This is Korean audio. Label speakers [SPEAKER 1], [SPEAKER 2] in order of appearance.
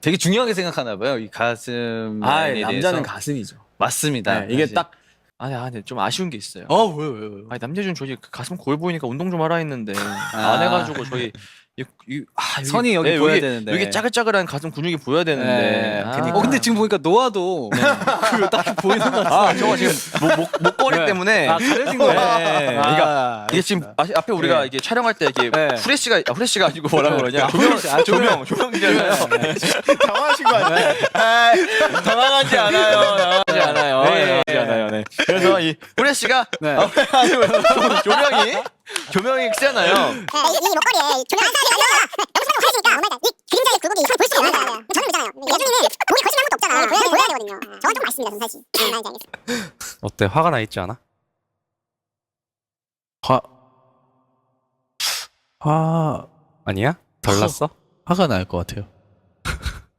[SPEAKER 1] 되게 중요하게 생각하나 봐요. 이 가슴 라인에
[SPEAKER 2] 남자는
[SPEAKER 1] 대해서.
[SPEAKER 2] 가슴이죠.
[SPEAKER 1] 맞습니다.
[SPEAKER 2] 네, 이게
[SPEAKER 1] 사실.
[SPEAKER 2] 딱
[SPEAKER 3] 근데 좀 아쉬운 게 있어요.
[SPEAKER 2] 왜요?
[SPEAKER 3] 아니 남재준 저희 그 가슴 골 보이니까 운동 좀 하라 했는데 안 해가지고 저희
[SPEAKER 1] 선이 여기 보여야 되는데.
[SPEAKER 3] 여기 짜글짜글한 가슴 근육이 보여야 되는데.
[SPEAKER 2] 그러니까.
[SPEAKER 1] 근데 지금 보니까 노아도 그 딱히 보이는 것 같아.
[SPEAKER 3] 저거 지금 목걸이
[SPEAKER 2] 네.
[SPEAKER 3] 때문에.
[SPEAKER 1] 가려진 거예요.
[SPEAKER 3] 네. 그러니까 이게 지금 앞에 우리가 이게 촬영할 때 이게 후레쉬가 아니고 뭐라 그러냐 조명이잖아요.
[SPEAKER 2] 당황하신 거 아니에요?
[SPEAKER 3] 당황하지 않아요. 당황하지 않아요. 네. 그래서 이 후레쉬가 조명이 세잖아요.
[SPEAKER 4] 이 목걸이에 조명 안 써야 너무 사람 가려지니까 이 그림자의 굴곡이 이상 볼 수가 없어요. 저는 그잖아요. 예준이는 목이 거짓말 한 것도 없잖아. 보여야 되거든요. 저건 좀 아쉽습니다. 전 사실. 알지 알겠어.
[SPEAKER 5] 어때? 화가 나 있지 않아?
[SPEAKER 6] 화
[SPEAKER 5] 아니야? 덜 났어?
[SPEAKER 6] 화가 날 것 같아요.